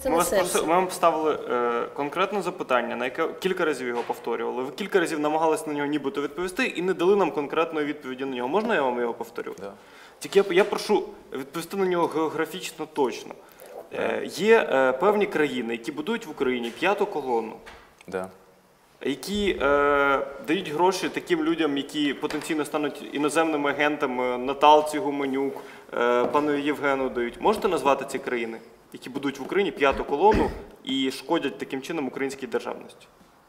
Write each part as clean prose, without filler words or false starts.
Це Ми на серці. вам поставили конкретне запитання, на яке кілька разів його повторювали. Ви кілька разів намагалися на нього нібито відповісти і не дали нам конкретної відповіді на нього. Можна я вам його повторю? Да. Тільки я прошу відповісти на нього географічно точно. Є певні країни, які будують в Україні п'яту колону, Да. які дають гроші таким людям, які потенційно стануть іноземними агентами, Наталці Гуменюк, пану Євгену дають. Можете назвати ці країни, які будують в Україні п'яту колону і шкодять таким чином українській державності?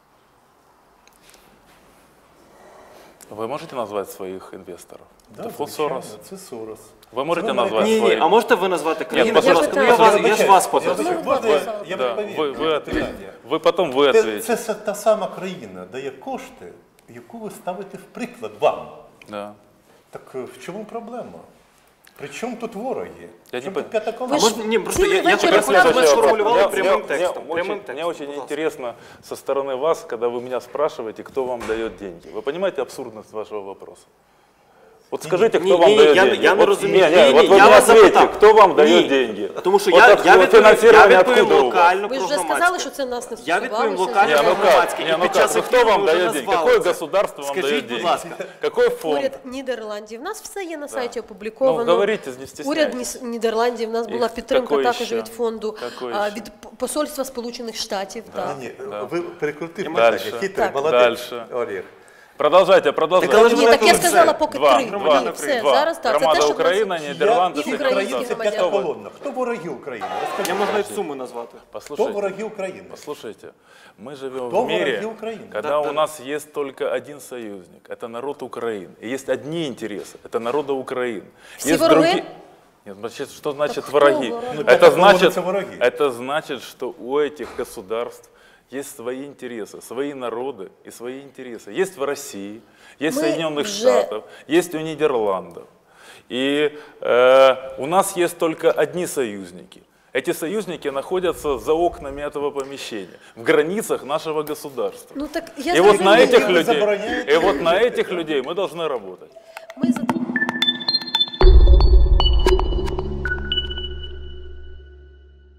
Вы можете назвать своих инвесторов? Да, Это Фонд звичайно, Сорос. це Сорос. Вы можете Це назвать Ні, своих? а можете ви назвати країни? Нет, Будь ласка, послухайте, я ж вас попросив. Я Да, відповім. вы потом вы ответите. Це та сама країна дає кошти, яку ви ставите в приклад вам. Да. Так в чому проблема? При чому тут вороги? Я Чому не тут п'ята А колона? можна, ні, просто цілий я вечір хотів, щоб ми розказуєте. сформулювали прямим текстом. Мне очень интересно со стороны вас, когда вы меня спрашиваете, кто вам дает деньги. Вы понимаете абсурдность вашего вопроса? Вот скажите, кто вам дает деньги. Я не Вот- розумію. вот вы Я мне вас ответьте, запитав. кто вам дает Ні, деньги. Тому що Вот я от финансирование відповім откуда у вас? локально Ви про ж вже сказали, громадське. що це нас не Я відповім стосувалося. локально Не, про ну как? громадське. Не, І ну під как? час Ну кто ефіру вам ви вже дает деньги? назвали Какое це. государство вам Скажіть, дает будь деньги? ласка. Какой фонд? Уряд Нідерландів. У нас все є на сайті опубліковано. Ну, говорите, не стесняйтесь. Уряд Нідерландів, у нас була І підтримка какой також ще? від фонду, Какой ще? від Посольства Сполучених Штатів. так. Ні, ви перекрутив Дальше. питання. Хитрий, Так. молодець. Дальше. Олег. Продолжайте. Так, але ж Ні, ви так я тут сказала все. поки Два, три. два, Ні, все, два. зараз так. Це Громада те, що Україна, нас- Нідерланди, І це українські Українці громадяни. п'ята колонна. Хто вороги України? Розкажіть. Я можу навіть суми назвати. Хто Послушайте. вороги України? Послушайте, мы живем Кто в мире, враги Украины? когда Да, у да. нас есть только один союзник, это народ Украины. И есть одни интересы, это народа Украины. Все Есть враги? другие- Нет, значит, что значит Так кто враги? враги? Ну, это враги. Это значит, что у этих государств есть свои интересы, свои народы и свои интересы. Есть в России, есть в Мы Соединенных уже- Штатах, есть у Нидерландов. И у нас есть только одни союзники. Эти союзники находятся за окнами этого помещения, в границах нашего государства. Ну так я И вот на зрозуміла. этих Вы людей, забороняете и вот на этих людей мы должны работать. Ми за те,